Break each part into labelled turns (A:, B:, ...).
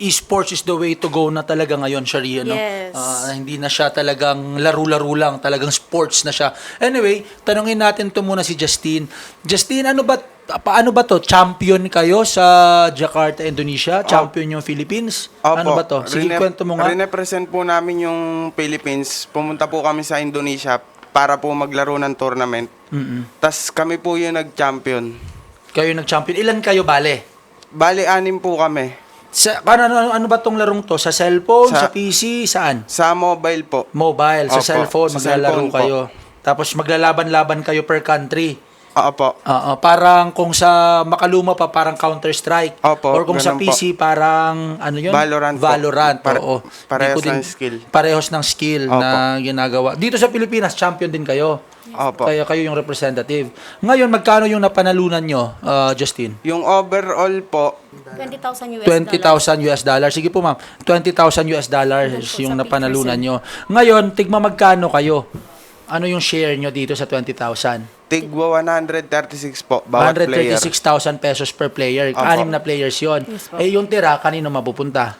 A: esports is the way to go na talaga ngayon, Sharia, no?
B: Yes.
A: Hindi na siya talagang laro-laro lang, talagang sports na siya. Anyway, tanungin natin to muna si Justine. Justine, paano ba to? Champion kayo sa Jakarta, Indonesia? Champion yung Philippines?
C: Opo.
A: Ano ba to? Sige, kwento mo nga.
C: Rinepresent po namin yung Philippines. Pumunta po kami sa Indonesia para po maglaro ng tournament. Tas kami po yung nag-champion.
A: Kayo nag-champion. Ilan kayo, bale?
C: Bali, 6 po kami.
A: Ano ba tong larong to? Sa cellphone, sa
C: Sa-
A: PC, saan?
C: Sa mobile po.
A: Mobile, sa
C: Opo,
A: cellphone,
C: sa
A: maglalaro
C: cellphone po.
A: kayo. Tapos maglalaban-laban kayo per country.
C: Opo.
A: Parang kung sa makaluma pa, parang Counter-Strike.
C: Opo,
A: Or kung sa
C: ganun po.
A: PC, parang ano yun?
C: Valorant po.
A: Valorant, oo.
C: Parehos
A: Di ko
C: ng skill.
A: Parehos ng skill
C: Opo.
A: na ginagawa. Dito sa Pilipinas, champion din kayo.
C: Opo.
A: Kaya kayo yung representative. Ngayon, magkano yung napanalunan nyo, Justine?
C: Yung overall po,
B: 20,000 US
A: 20,000 US dollars. Sige po, ma'am. 20,000 US dollars
B: Ganun po
A: yung
B: sa
A: napanalunan nyo. Ngayon, tigma magkano kayo? Ano yung share nyo dito sa 20,000?
C: tigwa 136 po, bawat player.
A: 136,000 pesos per player.
C: Opo.
A: 6 na players yon.
B: Yes po.
A: Yung tira, kanino mapupunta?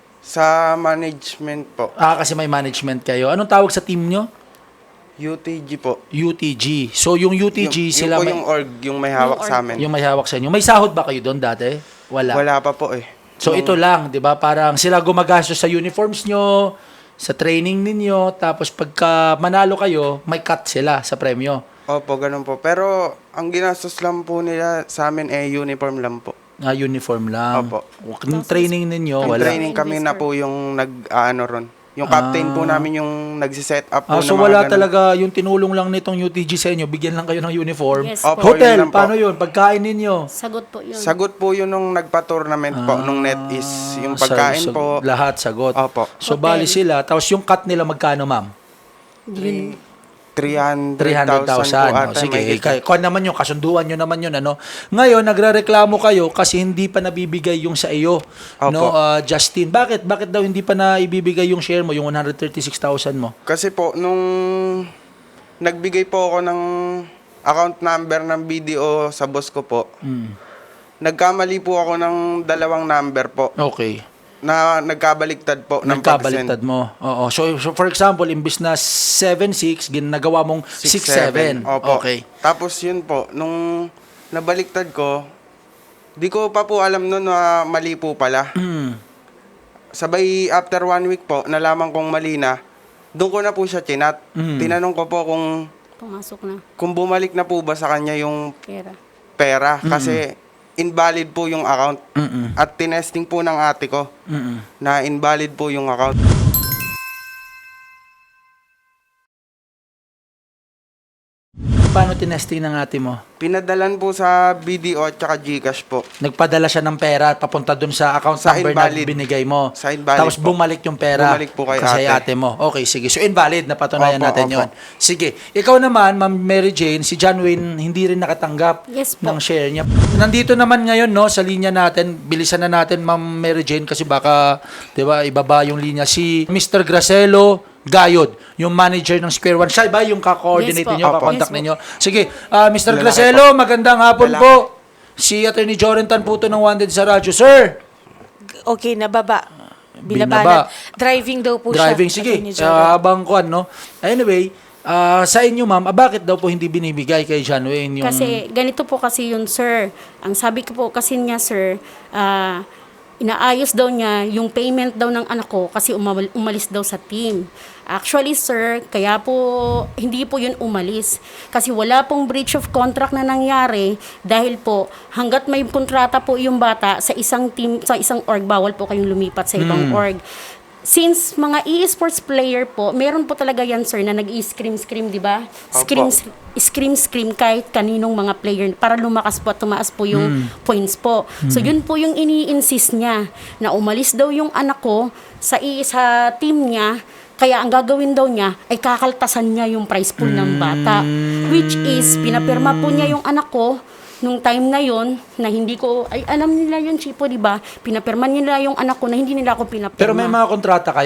C: Sa management po,
A: Kasi may management kayo. Anong tawag sa team nyo?
C: UTG po.
A: UTG. So, yung UTG, sila
C: yung po
A: may,
C: yung org, yung may hawak
B: Yung
C: sa
B: org.
C: amin.
A: yung may hawak sa inyo. May sahod ba kayo doon dati? Wala.
C: Wala pa po eh.
A: So, ito lang, di ba? Parang sila gumagastos sa uniforms nyo, sa training ninyo, tapos pagka manalo kayo, may cut sila sa premyo.
C: Opo, ganun po. Pero ang ginastos lang po nila sa amin uniform lang po.
A: Uniform lang.
C: Opo.
A: Yung training ninyo,
C: Yung
A: wala.
C: training kami na po yung nag-ano ron. Yung captain po namin yung nagsiset up po
A: So
C: ng mga
A: wala
C: ganun.
A: talaga yung tinulong lang nitong UTG sa inyo, bigyan lang kayo ng uniform.
B: Yes
C: Opo,
B: po.
A: Hotel,
C: yun lang po.
A: paano yun? Pagkain ninyo?
B: Sagot po yun.
C: Sagot po yun nung nagpa-tournament po, nung net is yung pagkain po.
A: Lahat sagot.
C: Opo.
A: So
B: Hotel.
A: bali sila, tapos yung cut nila magkano, ma'am?
B: Yun.
C: 300,000
A: 300,000.
C: po ata.
A: Sige,
C: may
A: kung naman yung kasunduan nyo naman yun, ano. Ngayon, nagrereklamo kayo kasi hindi pa nabibigay yung sa iyo,
C: Opo.
A: no, Justin. Bakit daw hindi pa na ibibigay yung share mo, yung 136,000 mo?
C: Kasi po, nung nagbigay po ako ng account number ng BDO sa boss ko po, nagkamali po ako ng 2 number po
A: Okay.
C: na nagkabaliktad po ng
A: Nagkabaliktad mo. Oo. So for example, imbis na 7-6, ginagawa mong 6-7.
C: Opo.
A: Okay.
C: Tapos yun po, nung nabaliktad ko, di ko pa po alam nun na mali po pala. Sabay after 1 week po, nalaman kong mali na, doon ko na po siya chinat. Tinanong ko po
B: Pumasok na.
C: kung bumalik na po ba sa kanya yung
B: Pera.
C: pera. Kasi invalid po yung account. At tinesting po ng ate ko na invalid po yung account.
A: Paano tinesting ng ate mo?
C: Pinadalan po sa BDO at saka GCash po.
A: Nagpadala siya ng pera at papunta dun sa account
C: Sa
A: number
C: invalid.
A: na binigay mo.
C: Sa invalid
A: Tapos
C: po.
A: bumalik yung pera.
C: Bumalik po kay
A: kasi
C: ate.
A: mo. Okay, sige. So invalid, napatunayan
C: Opo,
A: natin
C: opo.
A: yon. Sige. Ikaw naman, Ma'am Mary Jane, si John Wayne hindi rin nakatanggap
B: Yes po.
A: ng share niya. Nandito naman ngayon, no, sa linya natin, bilisan na natin, Ma'am Mary Jane, kasi baka, di ba, ibaba yung linya. Si Mr. Gracelo Gayod, yung manager ng Square One. Siya ba yung ka-coordinate
B: Yes po.
A: ninyo,
C: Opo.
A: kakontak
B: Yes po.
A: ninyo? Sige, Mr.
C: Lalaki
A: Gracelo, magandang hapon
C: Lalaki.
A: po. Si Attorney Jorentan po to ng Wanted sa radyo. Sir,
D: Okay, nababa.
A: Binaba.
D: Driving daw po
A: driving,
D: siya.
A: sige.
D: Attorney Joren.
A: Habang kuan, no? Anyway, sa inyo, ma'am, bakit daw po hindi binibigay kay John Wayne yung...
B: Kasi ganito po kasi yun, sir. Ang sabi ko po kasi niya, sir, inaayos daw niya yung payment daw ng anak ko kasi umalis daw sa team. Actually, sir, kaya po hindi po yun umalis. Kasi wala pong breach of contract na nangyari dahil po hanggat may kontrata po yung bata sa isang team, sa isang org, bawal po kayong lumipat sa ibang org. Since mga e-sports player po, meron po talaga yan, sir, na nag-i-scream, di ba? Scream kahit kaninong mga player para lumakas po at tumaas po yung points po. So, yun po yung ini-insist niya na umalis daw yung anak ko sa team niya. Kaya ang gagawin daw niya ay kakaltasan niya yung prize pool ng bata. Which is, pinapirma po niya yung anak ko nung time na yon na hindi ko, ay alam nila yun, Chipo, di ba? Pinapirma nila yung anak ko na hindi nila ako pinapirma.
A: Pero may mga kontrata kayo.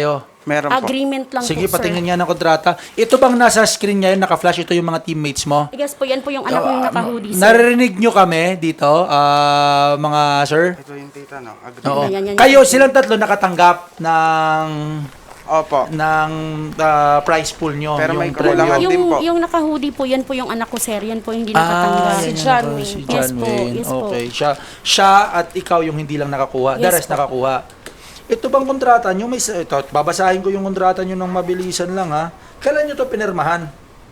C: Meron po.
B: Agreement lang
A: Sige,
B: po, sir.
A: patingin nga ng kontrata. Ito bang nasa screen niya yun, naka-flash ito yung mga teammates mo?
B: Yes po, yan po yung anak ko yung naka-hoodie, sir.
A: Naririnig nyo kami dito, mga sir?
C: Ito yung tita, no? Agree.
A: Oo.
B: Yan.
A: Kayo, silang tatlo nakatanggap ng
C: Opo.
A: prize pool nyo.
C: Pero
A: yung
C: may
A: premyo.
C: kakulangan din po.
B: Yung naka-hoodie po, yan po yung anak ko, sir. Yan po yung hindi nakatanggap.
D: Si
A: yan
D: John
A: yung-
D: Wayne.
A: Si
B: Yes
A: John
B: po,
A: Wayne.
B: yes po.
A: Okay. Siya at ikaw yung hindi lang nakakuha. The
B: Yes
A: rest
B: po.
A: nakakuha. Ito bang kontrata nyo? Ito, babasahin ko yung kontrata nyo ng mabilisan lang ha. Kailan nyo to pinirmahan?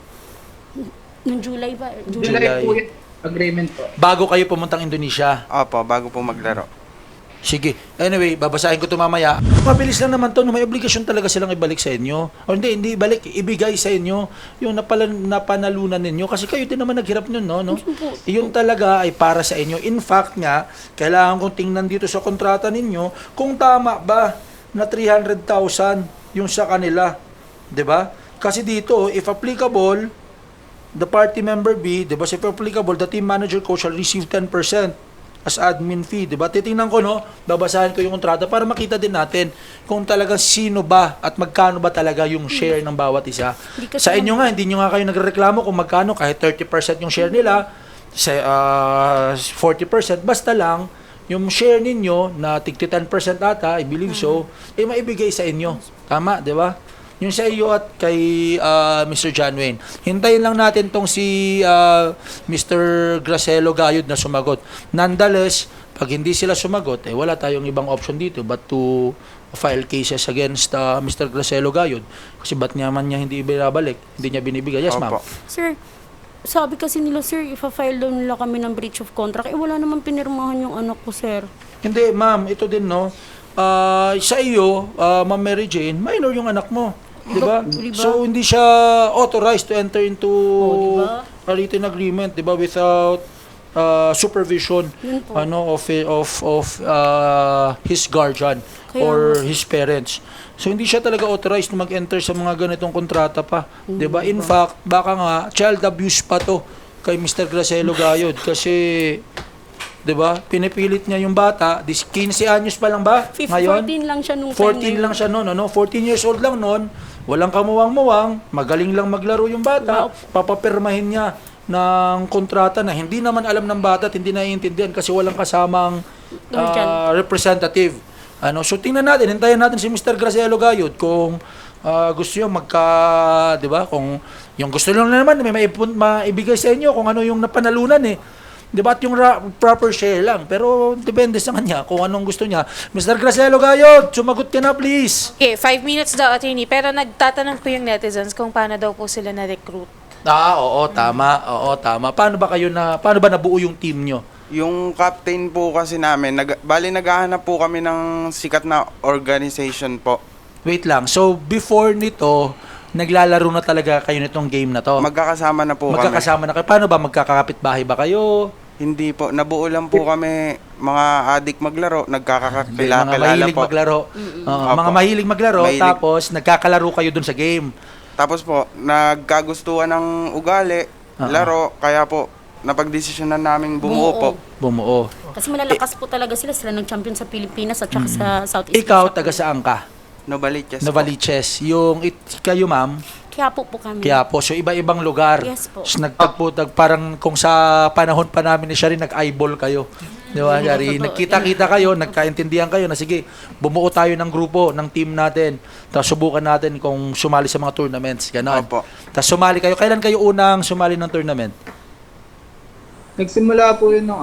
B: Noong July ba?
A: July.
E: po yung agreement po.
A: Bago kayo pumuntang Indonesia.
C: Opo, bago po maglaro.
A: Sige. Anyway, babasahin ko ito mamaya. Mabilis lang naman to, no? May obligasyon talaga silang ibalik sa inyo. O hindi ibalik, ibigay sa inyo yung napanalunan ninyo. Kasi kayo din naman naghirap nun, no? Yun talaga ay para sa inyo. In fact nga, kailangan kong tingnan dito sa kontrata ninyo kung tama ba na 300,000 yung sa kanila. 'Di ba? Kasi dito, if applicable, the party member B, 'di ba? If applicable, the team manager coach shall receive 10% as admin fee, 'di ba? Titingnan ko, no, babasahin ko yung kontrata para makita din natin kung talagang sino ba at magkano ba talaga yung share ng bawat isa.
B: Hindi kasi
A: Sa inyo nga, hindi nyo nga kayo nagreklamo kung magkano, kahit 30% yung share nila, sa 40%, basta lang yung share ninyo na tigti 10% ata, I believe so, eh maibigay sa inyo. Tama, 'di ba? Yung sa iyo at kay Mr. John Wayne. Hintayin lang natin tong si Mr. Gracelo Gayod na sumagot. Nonetheless, pag hindi sila sumagot, eh wala tayong ibang option dito but to file cases against Mr. Gracelo Gayod. Kasi ba't naman niya hindi binabalik? Hindi niya binibigay. Yes, ma'am.
C: Opo.
B: Sir, sabi kasi nila, sir, ipa-file daw nila kami ng breach of contract. Eh, wala naman pinirmahan yung anak ko, sir.
A: Hindi, ma'am. Ito din, no? Sa iyo, Ma'am Mary Jane, minor yung anak mo. Di ba?
B: Diba?
A: So, hindi siya authorized to enter into
B: diba?
A: a written agreement, di ba? Without supervision
B: Yun po.
A: of his guardian
B: Kaya
A: or
B: nga.
A: his parents. So, hindi siya talaga authorized na mag-enter sa mga ganitong kontrata pa. Di ba? In fact, baka nga, child abuse pa to kay Mr. Gracelo Gayod kasi 'di ba? Pinipilit niya yung bata, 15 anyos pa lang ba?
B: 14 lang siya nung
A: 14 lang siya noon, ano? 14 years old lang noon. Walang kamuwang-muwang, magaling lang maglaro yung bata.
B: Wow.
A: Papapirmahin niya ng kontrata na hindi naman alam ng bata at hindi naiintindihan kasi walang kasamang representative. So tingnan natin, hintayin natin si Mr. Gracelo Gayod kung gusto niyo 'di ba? Kung yung gusto lang naman may maibigay sa inyo kung ano yung napanalunan eh. 'Di ba? At yung proper share lang. Pero depende sa kanya kung anong gusto niya. Mr. Gracelo Gayod, sumagot ka na please.
D: Okay, 5 minutes daw, attorney. Pero nagtatanong po yung netizens kung paano daw po sila na-recruit.
A: Oo, tama. Oo, tama. Paano ba nabuo yung team nyo?
C: Yung captain po kasi namin, bali naghahanap po kami ng sikat na organization po.
A: Wait lang. So, before nito, naglalaro na talaga kayo nitong game na to?
C: Magkakasama na po kami.
A: Magkakasama na kayo. Paano ba? Magkakapit bahay ba kayo?
C: Hindi po, nabuo lang po kami mga adik maglaro,
A: Mga
C: nagkakakilala
A: mahilig
C: po.
A: maglaro.
C: Opo.
A: Mga mahilig maglaro,
C: Mahilig.
A: tapos nagkakalaro kayo dun sa game.
C: Tapos po, nagkagustuhan ng ugali, laro, kaya po, napagdesisyonan namin bumuo po.
A: Bumuo.
B: Kasi malalakas po talaga sila. Sila nag-champion sa Pilipinas at saka sa Southeast
A: Ikaw,
B: Asia.
A: taga saan ka?
C: Novaliches po.
A: Novaliches. Kayo, ma'am,
B: Kaya po kami.
A: kaya po. So, iba-ibang lugar.
B: Yes po.
A: So, parang kung sa panahon pa namin ni Shari, nag-eyeball kayo. Di ba, Shari?
B: Totoo.
A: Nagkita-kita kayo, nagkaintindihan kayo na sige, bumuo tayo ng grupo, ng team natin. Tapos subukan natin kung sumali sa mga tournaments. Ganon.
C: Opo.
A: Tapos sumali kayo. Kailan kayo unang sumali ng tournament?
E: Nagsimula po yun nung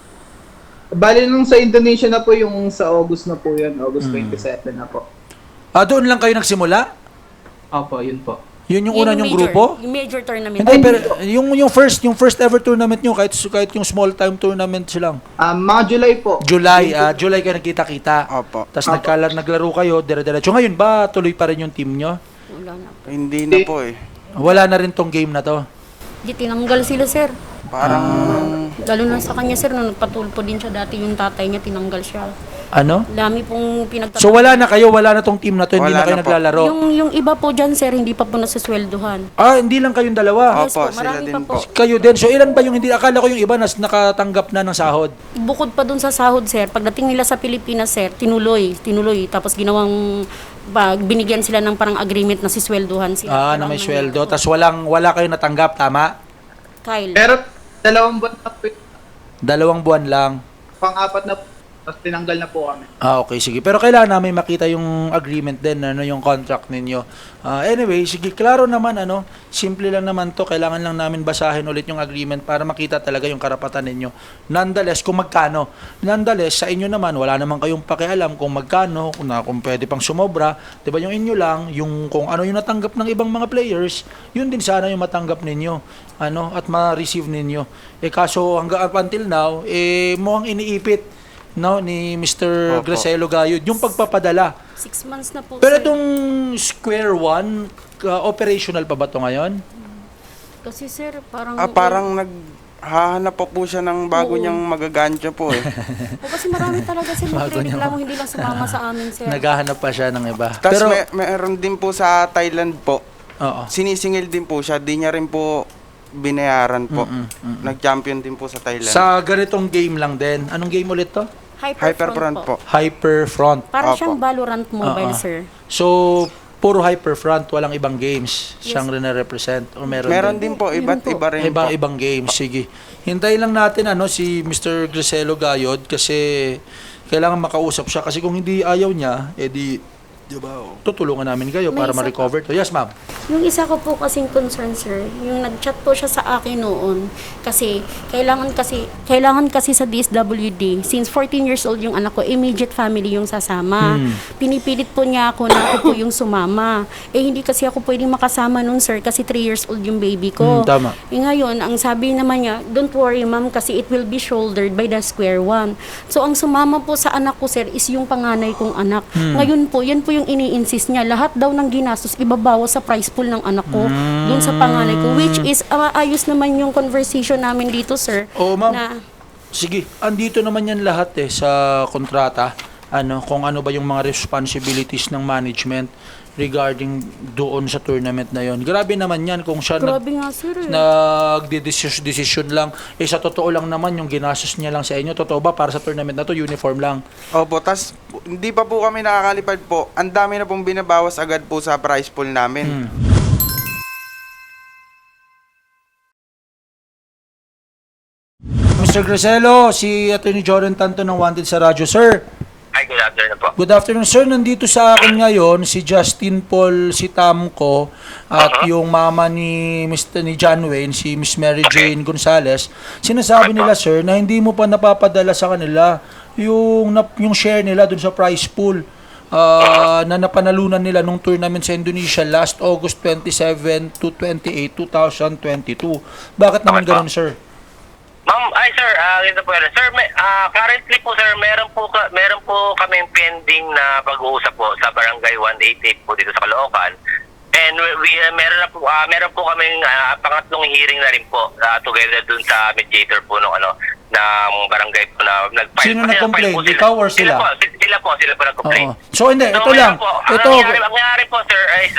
E: Bali nung sa Indonesia na po yung sa August na po yun. August 27 na po.
A: Doon lang kayo nagsimula?
E: Opo, yun po.
A: Yun yung una yung grupo?
B: Yung major tournament.
A: Hindi, pero yung first ever tournament nyo, kahit yung small time tournament lang.
E: Mga July po.
A: July kayo nagkita-kita.
C: Opo.
A: Tapos naglaro kayo, dire-diretso. Ngayon ba, tuloy pa rin yung team nyo?
B: Wala na po.
C: Hindi na po eh.
A: Wala na rin tong game na to.
B: Di tinanggal sila, sir.
C: Parang,
B: Lalo na sa kanya, sir, nung nagpatulpo din siya dati, yung tatay niya, tinanggal siya.
A: Ano?
B: Dami pong pinagtatanong.
A: So wala na kayo, wala na tong team na to, hindi na
C: Wala
A: kayo
C: na po.
A: naglalaro.
B: Yung iba po dyan, sir, hindi pa po nasasweldohan.
A: Hindi lang kayong dalawa.
B: Yes
C: Opo,
B: po,
C: sila
B: marami
C: din
B: pa
C: po.
B: po.
A: Kayo din. So ilan ba yung hindi? Akala ko yung iba nakatanggap na ng sahod.
B: Bukod pa dun sa sahod, sir, pagdating nila sa Pilipinas, sir, tinuloy. Tapos ginawang, binigyan sila ng parang agreement na sisweldohan sila.
A: Na may sweldo. Tapos wala kayo natanggap, tama?
B: Kyle.
E: Pero 2 buwan na po,
A: 2 buwan lang.
E: pang-apat na po, tapos tinanggal na po kami.
A: Okay, sige. Pero kailangan namin makita yung agreement din, yung contract ninyo. Anyway, sige, klaro naman, simple lang naman to. Kailangan lang namin basahin ulit yung agreement para makita talaga yung karapatan ninyo. Nonetheless, kung magkano. Nonetheless, sa inyo naman, wala naman kayong pakialam kung magkano, kung pwede pang sumobra. Diba, yung inyo lang, yung kung ano yung natanggap ng ibang mga players, yun din sana yung matanggap ninyo. At ma-receive ninyo. Kaso hanggang up until now, mukhang iniipit ni Mr.
C: Opo.
A: Gracelo Gayod yung pagpapadala.
B: 6 months na po,
A: Pero
B: sir.
A: itong Square One, operational pa ba ito ngayon?
B: Kasi, sir, parang...
C: Parang naghahanap pa po siya ng bago
B: Oo.
C: niyang magagancha po eh.
B: kasi marami talaga sir
A: Bago niya.
B: nagreklamo, hindi lang sumama sa amin, sir.
A: Naghahanap pa siya ng iba.
C: Tapos
A: Pero,
C: meron din po sa Thailand po.
A: oo.
C: Sinisingil din po siya. Di niya rin po binayaran po. Nag-champion din po sa Thailand.
A: Sa ganitong game lang din. Anong game ulit to?
C: Hyperfront po.
A: Hyperfront.
B: Parang
C: Opo.
B: siyang Valorant mobile,
A: Oo.
B: sir.
A: So, puro Hyperfront, walang ibang games siyang rin-represent o
C: Meron din po, iba't iba rin po.
A: Ibang games, sige. Hintayin lang natin si Mr. Gracelo Gayod kasi kailangan makausap siya kasi kung hindi ayaw niya, diba, tutulungan namin kayo
B: May
A: para
B: isa
A: ma-recover to. Yes, ma'am.
B: Yung isa ko po kasing concern, sir, yung nag-chat po siya sa akin noon kasi kailangan kasi sa DSWD, since 14 years old yung anak ko, immediate family yung sasama. Pinipilit po niya ako na ako po yung sumama. Hindi kasi ako pwedeng makasama noon, sir, kasi 3 years old yung baby ko.
A: Tama.
B: Ngayon, ang sabi naman niya, don't worry, ma'am, kasi it will be shouldered by the Square One. So, ang sumama po sa anak ko, sir, is yung panganay kong anak. Ngayon po, yan po yung ini-insist niya. Lahat daw ng ginastos, ibabawas sa price pool ng anak ko dun sa panganay ko. Which is, ayos naman yung conversation namin dito, sir.
A: Oo, ma'am.
B: Na,
A: Sige, andito naman yan lahat sa kontrata. Kung ano ba yung mga responsibilities ng management regarding doon sa tournament na yon. Grabe naman yan kung siya
B: grabe nga, sir.
A: decision lang. Sa totoo lang naman yung ginastos niya lang sa inyo. Totoo ba para sa tournament na to uniform lang?
C: Opo, tas hindi pa po kami nakakalipad po. Ang dami na pong binabawas agad po sa prize pool namin.
A: Mr. Gracelo, si Attorney Jordan Tanto ng Wanted sa radyo. Sir,
F: Hi, good afternoon po.
A: good afternoon, sir. Nandito sa akin ngayon si Justin Paul Sitamco at yung mama ni John Wayne, si Miss Mary Jane Gonzalez. Sinasabi nila, sir, na hindi mo pa napapadala sa kanila yung share nila dun sa prize pool na napanalunan nila nung tournament sa Indonesia last August 27 to 28, 2022. Bakit naman ganun, sir?
F: Ma'am, sir, ganito po yan. Sir, currently po sir, meron po kaming pending na pag-uusap po sa Barangay 188 po dito sa Caloocan. And meron po kaming pangatlong hearing na rin po together dun sa mediator po ng ng barangay po na nag-file.
A: Sino nag-complain? Ikaw or sila?
F: Sila po nag-complain.
A: Oo. So hindi, ito lang.
F: Ang nangyari po sir is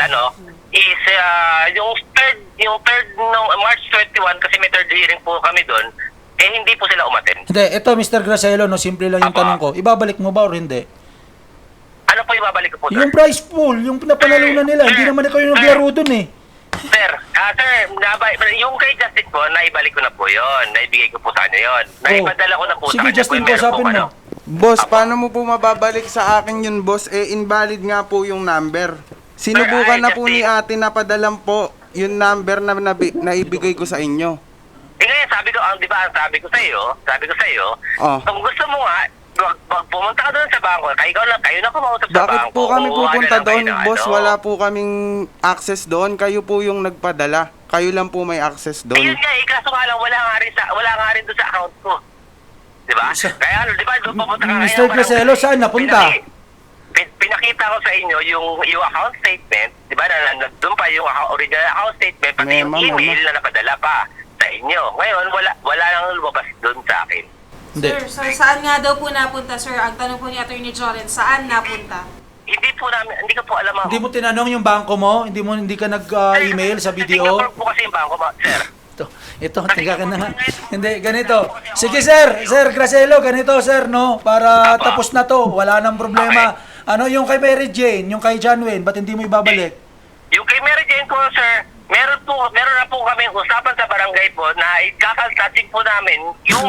F: yung third no March 21 kasi may third hearing po kami doon. Hindi po sila umattend.
A: Hindi, ito Mr. Gracelo, simple lang yung
F: Apa.
A: tanong ko. Ibabalik mo ba or hindi?
F: Ano po ibabalik ko po, sir?
A: Yung prize pool, yung pinapanalunan nila, hindi naman ikaw yung naglaro dun eh.
F: Sir, yung kay Justin po, naibalik ko na po yun. Naibigay ko po sa kanya yun. Naipadala ko na po
A: Sige,
F: sa kanya.
A: Justin,
F: Kung meron
A: kausapin
F: po,
A: mo.
C: Boss, paano mo po mababalik sa akin yun, boss? Invalid nga po yung number. Sinubukan
F: Sir,
C: na po ni ate na padalan po yung number na naibigay ko sa inyo.
F: Ngayon, di ba, sabi ko sa iyo,
C: Oh.
F: kung gusto mo nga, wag pumunta ka doon sa bangko. Kayo na kumausap sa
C: Bakit
F: bangko.
C: po kami
F: Kukuha
C: pupunta
F: na lang kayo
C: doon,
F: ng
C: boss? Wala po kaming access doon. Kayo po yung nagpadala. Kayo lang po may access doon.
F: Ayun nga, kaso nga lang, wala nga rin doon sa account ko. Di ba? Kaya di ba, doon pupunta ka
A: Mr. Gracelo, saan napunta?
F: Pinakita ko sa inyo yung account statement, di ba? Doon pa yung original account statement, pati yung email na napadala pa sa inyo. Ngayon, wala nang lumabas doon sa akin.
A: Hindi.
D: Sir, saan nga daw po napunta, sir? Ang tanong po ni Attorney Joren, saan napunta?
F: Hindi ko po alam, ma'am.
A: Hindi mo tinanong yung bangko mo? Hindi ka nag-email sa BDO?
F: Singapore po kasi yung bangko, sir.
A: Ito, tiga ka na nga. Hindi, ganito. Sige, sir. Sir Gracelo, ganito, sir, no? Para tapos na to. Wala nang problema. Ano yung kay Mary Jane, yung kay John Wayne, ba't hindi mo ibabalik?
F: Yung kay Mary Jane ko, sir, meron na po kami usapan sa barangay po na ikakaltasin po namin yung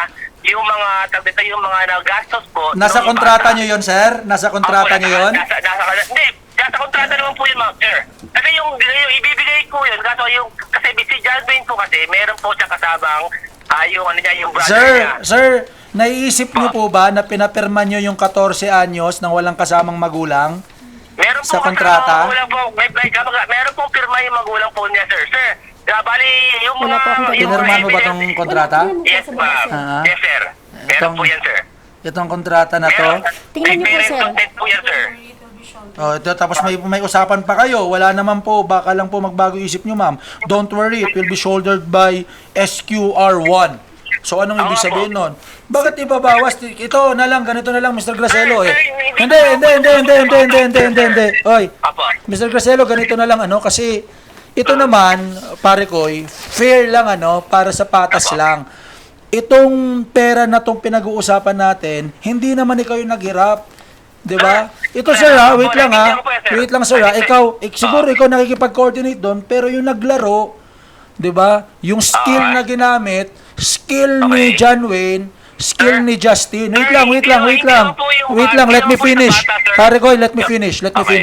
F: mga nagastos po.
A: Nasa
F: nung
A: kontrata
F: bata.
A: nyo yun, sir? Nasa kontrata nyo yun?
F: Nasa kontrata naman po yun, ma'am, sir. Kasi yung ibibigay ko yun, kasi si John Wayne po kasi, meron po siya kasabang, yung brother niya.
A: Sir, naiisip nyo po ba na pinapirma nyo yung 14 anyos nang walang kasamang magulang?
F: Meron
A: Sa
F: po
A: kontrata?
F: magulang po, meron pong pirma yung magulang po niya, sir. Sir, bali, yung
B: Wala po akong
A: Pinirma mo ba tong kontrata?
F: Yes, ma'am.
A: Ah.
F: Yes, sir. Meron po yan, sir.
A: Itong kontrata na to?
B: Tingnan niyo po,
F: May
B: sir.
F: content po yan, sir.
A: Oh, ito, tapos may usapan pa kayo. Wala naman po, baka lang po magbago isip nyo, ma'am. Don't worry, it will be shouldered by SQR1. So, anong ibig sabihin nun? Bakit ibabawas? Ito na lang, ganito na lang, Mr. Gracelo, eh. Hindi. Oy,
F: Apo.
A: Mr. Gracelo, ganito na lang, kasi ito naman, pare ko'y, fair lang, para sa patas lang. Itong pera na tong pinag-uusapan natin, hindi naman ikaw yung naghirap. 'Di ba? Ito sir wait lang Wait lang sir Ikaw, siguro ikaw nakikipag-coordinate doon, pero yung naglaro, 'di ba? Yung skill na ginamit, skill ni John Wayne, skill ni Justin. Wait lang, let me finish. Pare ko, let me finish.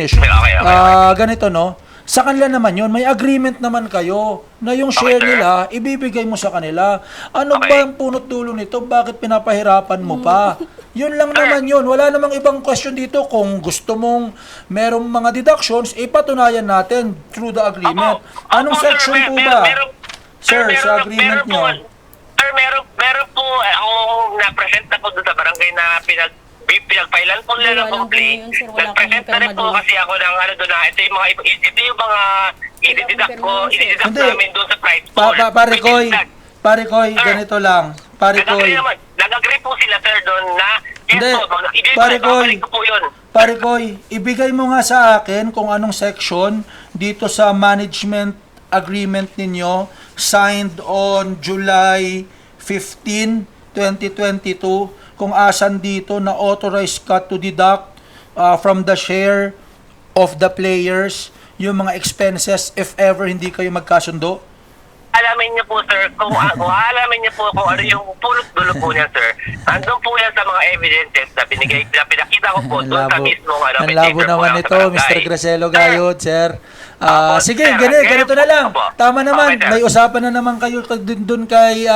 A: Ganito, no? Sa kanila naman yun, may agreement naman kayo na yung share nila, ibibigay mo sa kanila. Ano ba ang punot dulo nito? Bakit pinapahirapan mo pa? Yun lang naman yun. Wala namang ibang question dito. Kung gusto mong merong mga deductions, ipatunayan natin through the agreement. Anong section po ba? Sir, sa agreement nyo.
F: Sir, meron po, ako na-present na po doon sa barangay na pinagpailan po nila ng
B: Wala
F: complaint.
B: lang po yun, sir. Wala
F: Nag-present
B: kaming
F: na rin po
B: pirma
F: kasi ako ng doon na ito yung mga i-deduct
A: Hindi.
F: namin doon sa price pool.
A: Pare Koy, ganito lang. Pare Koy.
F: Nag-agree po sila, sir, doon na
A: Hindi.
F: babalik ko po yun.
A: Pare Koy, ibigay mo nga sa akin kung anong section dito sa management agreement ninyo signed on July 15, 2022 kung asan dito na authorized ka to deduct from the share of the players yung mga expenses if ever hindi kayo magkasundo.
F: Alamin niyo po, sir, kung alamin niyo po kung ano yung pulot-dulo po niya, sir. Andun po yan sa mga evidences na pinakita ko po doon sa mismong
A: Ang labo naman ito, Mr. Gracelo Gayod, sir. Sige, ganito na lang. Tama naman, may usapan na naman kayo dun kay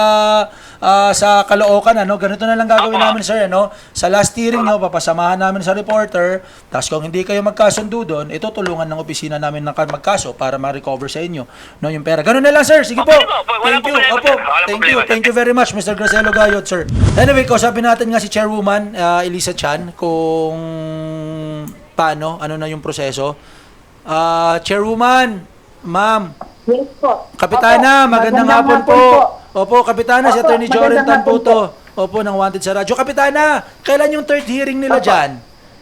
A: sa Caloocan, ganito na lang gagawin namin, sir, sa last hearing, papasamahan namin sa reporter, tapos kung hindi kayo magkasundo doon, ito tulungan ng opisina namin ng magkaso para ma-recover sa inyo, yung pera. Ganun na lang, sir. Sige po. Thank you. Thank you very much, Mr. Gracelo Gayod, sir. Anyway, kausapin natin nga si Chairwoman Elisa Chan kung paano, ano na yung proseso. Chairwoman, ma'am.
G: Yes po.
A: Kapitana,
G: Opo,
A: magandang hapon po. Opo, Kapitana, si
G: Opo,
A: Attorney Joren Tan
G: magandang
A: po
G: hapon
A: to. Opo, ng Wanted sa radyo. Kapitana, kailan yung third hearing nila
G: Opo.
A: dyan?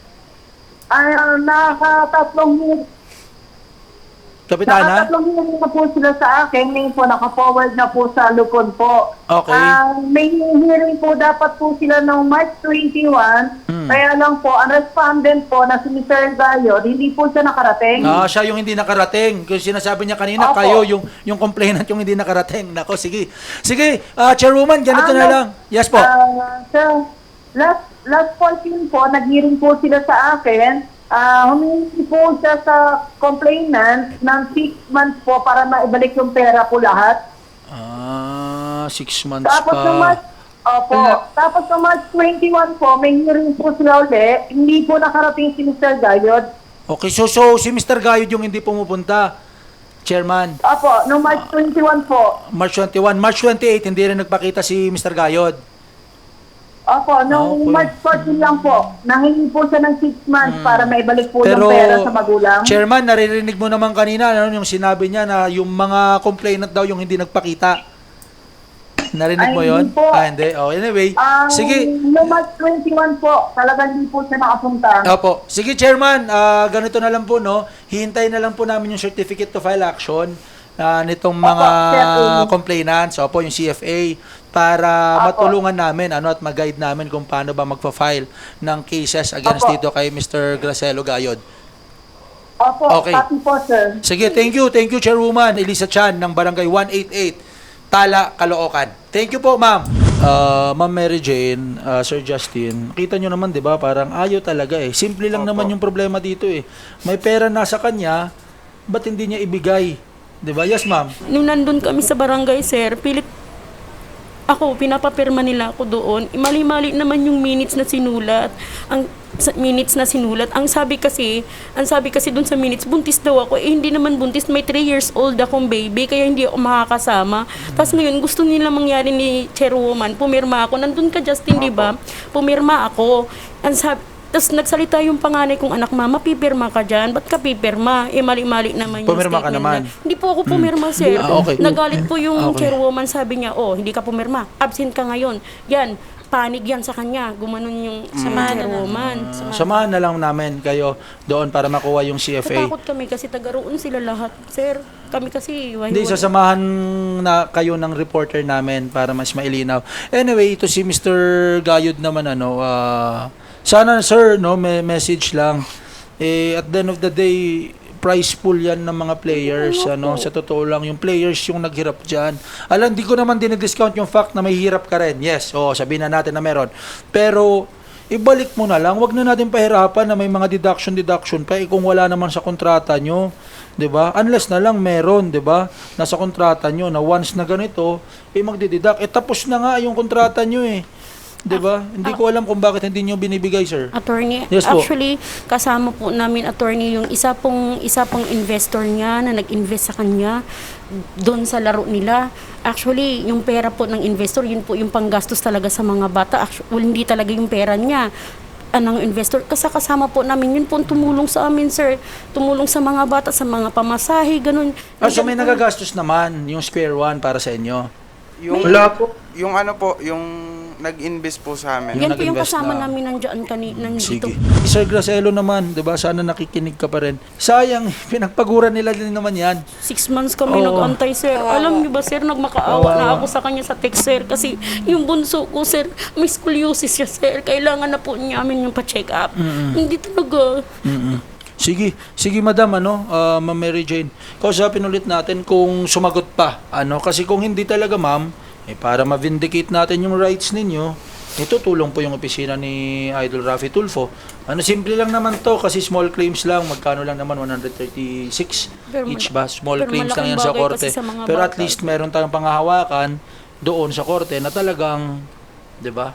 G: Nakatatlong
A: Kapitana?
G: hearing na po sila sa akin. Ngayon po, naka-forward na po sa Lukon po.
A: Okay.
G: May hearing po dapat po sila ng March 21. Kaya lang po, ang respondent po na si Mr. Gayod, hindi po siya nakarating.
A: Siya yung hindi nakarating. Kasi sinasabi niya kanina,
G: Opo.
A: kayo yung complainant yung hindi nakarating. Nako, sige. Sige, Chairwoman, ganito na lang. Yes po.
G: Sir, last 14 po, nag-hearing po sila sa akin. Humingi po siya sa complainant ng 6 months po para maibalik yung pera po lahat.
A: 6 months
G: Tapos
A: pa.
G: ng March, tapos ng March 21 po, may hearing po sila ulit. Hindi po nakarating si Mr. Gayod.
A: Okay, so si Mr. Gayod yung hindi pumupunta. Chairman.
G: Opo, no March 21 po.
A: March 21. March 28, hindi rin nagpakita si Mr. Gayod.
G: Opo, nung
A: Okay.
G: March 14 lang po, nahingi po siya ng 6 months para maibalik po
A: Pero,
G: yung pera sa magulang.
A: Chairman, naririnig mo naman kanina yung sinabi niya na yung mga complainant daw yung hindi nagpakita. Narinig
G: Ay,
A: mo yon?
G: hindi po.
A: Hindi. Oh, anyway, sige.
G: Yung March 21 po, talagang hindi po siya nakapunta.
A: Opo. Sige, Chairman, ganito na lang po, no? Hihintayin na lang po namin yung certificate to file action nitong mga
G: CFA.
A: complainants, opo, yung CFA, para
G: Opo.
A: matulungan namin at mag-guide namin kung paano ba magpa-file ng cases against
G: Opo.
A: dito kay Mr. Gracelo Gayod.
G: Opo,
A: Okay.
G: copy po, sir.
A: Sige, thank you, Chairwoman Elisa Chan ng Barangay 188, Tala, Caloocan. Thank you po, ma'am. Ma'am Mary Jane, Sir Justin, kita nyo naman, di ba, parang ayaw talaga eh. Simple lang naman yung problema dito eh. May pera nasa kanya, ba't hindi niya ibigay? Di ba? Yes, ma'am.
B: Nung nandun kami sa barangay, sir, pilit ako, pinapapirma nila ako doon. Mali-mali naman yung minutes na sinulat. Ang sabi kasi doon sa minutes, buntis daw ako. Eh, hindi naman buntis. May 3 years old akong baby, kaya hindi ako makakasama. Tapos ngayon, gusto nila mangyari ni Chairwoman, pumirma ako. Nandun ka, Justin, di ba? Pumirma ako. Tapos nagsalita yung panganay kong anak, mama, pipirma ka dyan. Ba't ka pipirma? Eh, mali-mali naman yung
A: Pumirma ka
B: statement
A: naman.
B: na. Hindi po ako pumirma, sir.
A: Okay.
B: Nagalit po yung
A: Okay.
B: Chairwoman, sabi niya, hindi ka pumirma. Absent ka ngayon. Yan, panig yan sa kanya. Gumanon yung Chairwoman.
A: Samahan na lang namin kayo doon para makuha yung CFA.
B: Natakot kami kasi taga-roon sila lahat, sir. Kami kasi,
A: Hindi, sasamahan na kayo ng reporter namin para mas mailinaw. Anyway, ito si Mr. Gayod naman, sana sir, no, may message lang. At the end of the day, prize pool yan ng mga players, sa totoo lang, yung players yung naghirap dyan. Alam, di ko naman dinidiscount yung fact na may hirap ka rin. Yes, sabihin na natin na meron. Pero, ibalik mo na lang, wag na natin pahirapan na may mga deduction pa, kung wala naman sa kontrata nyo. 'Di ba? Unless na lang meron, 'di ba? Nasa kontrata nyo na once na ganito, magdideduct. Tapos na nga yung kontrata nyo 'Di ba? Hindi ko alam kung bakit hindi niyo binibigay, sir.
B: Attorney,
A: Yes po.
B: actually, kasama po namin, attorney, yung isa pong investor niya na nag-invest sa kanya doon sa laro nila. Actually, yung pera po ng investor, yun po yung panggastos talaga sa mga bata. Actually, hindi talaga yung pera niya ng investor. Kasama po namin, yun po ang tumulong sa amin, sir. Tumulong sa mga bata, sa mga pamasahe, ganun.
A: So may nagagastos naman yung Square One para sa inyo.
C: Yung,
E: Wala po.
C: yung yung nag-invest po sa amin.
A: Yung
B: Yan po yung
A: nag-invest
B: kasama
A: na.
B: namin nandito.
A: Sige. Sir Gracelo naman, 'di ba? Sana nakikinig ka pa rin. Sayang, pinagpaguran nila din naman 'yan.
B: 6 months kami
A: Oo.
B: nag-antay, sir. Alam niyo ba, sir, nagmakaawa na
A: Kawawa.
B: ako sa kanya sa text, sir. Kasi yung bunso ko, sir, may scoliosis siya, sir. Kailangan na po namin yung pa-check up. Hindi talaga.
A: Sige madam, Ma'am Mary Jane. Kausapin ulit natin kung sumagot pa. Kasi kung hindi talaga, ma'am, para ma-vindicate natin yung rights ninyo, tutulong po yung opisina ni Idol Raffy Tulfo. Simple lang naman to kasi small claims lang. Magkano lang naman, 136
B: Pero
A: each ba? Small
B: pero
A: claims lang
B: malaking
A: yan sa
B: bagay
A: korte.
B: kasi sa mga
A: Pero at
B: bata.
A: least meron tayong panghahawakan doon sa korte na talagang, 'di ba?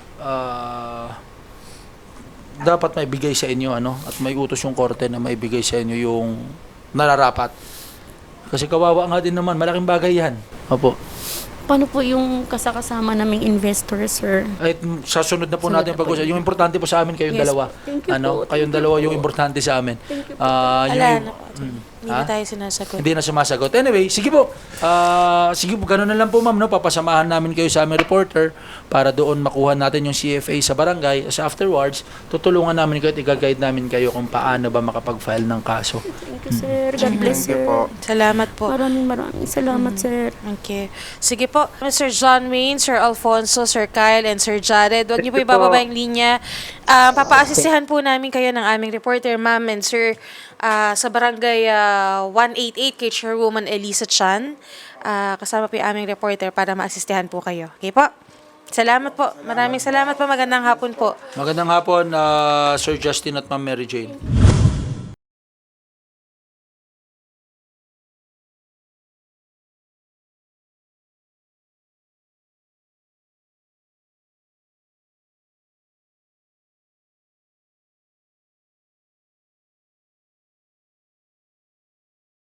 A: Dapat maibigay sa inyo at may utos yung korte na maibigay sa inyo yung nararapat. Kasi kawawa nga din naman, malaking bagay 'yan. Opo.
B: Paano po yung kasama naming investor, sir?
A: Ay, sa sunod na po
B: Sunod
A: natin
B: na po
A: pag-usap. Yung importante po sa amin kayong
B: Yes.
A: dalawa.
B: Thank you po.
A: Kayong
B: Thank you
A: dalawa
B: po.
A: yung importante sa amin.
B: Thank you po.
D: Wala na po. Hindi
A: Ha?
D: na tayo sinasagot.
A: Hindi na sumasagot. Anyway, sige po. Sige po, ganun na lang po, ma'am, papasamahan namin kayo sa aming reporter para doon makuha natin yung CFA sa barangay. So afterwards, tutulungan namin kayo at i-guide namin kayo kung paano ba makapag-file ng kaso.
B: Thank you, sir. God bless,
C: Thank you
B: sir.
C: po.
D: Salamat po.
B: Maraming salamat, sir.
D: Okay. Sige po, Sir John Wayne, Sir Alfonso, Sir Kyle, and Sir Jared. Huwag niyo po ibababa yung linya. Papa-assisihan po namin kayo ng aming reporter, ma'am and sir, sa barangay 188 kay Chairwoman Elisa Chan. Kasama po yung aming reporter para ma-assistihan po kayo. Okay po? Salamat po. Maraming salamat po. Magandang hapon po.
A: Magandang hapon, Sir Justin at Ma'am Mary Jane.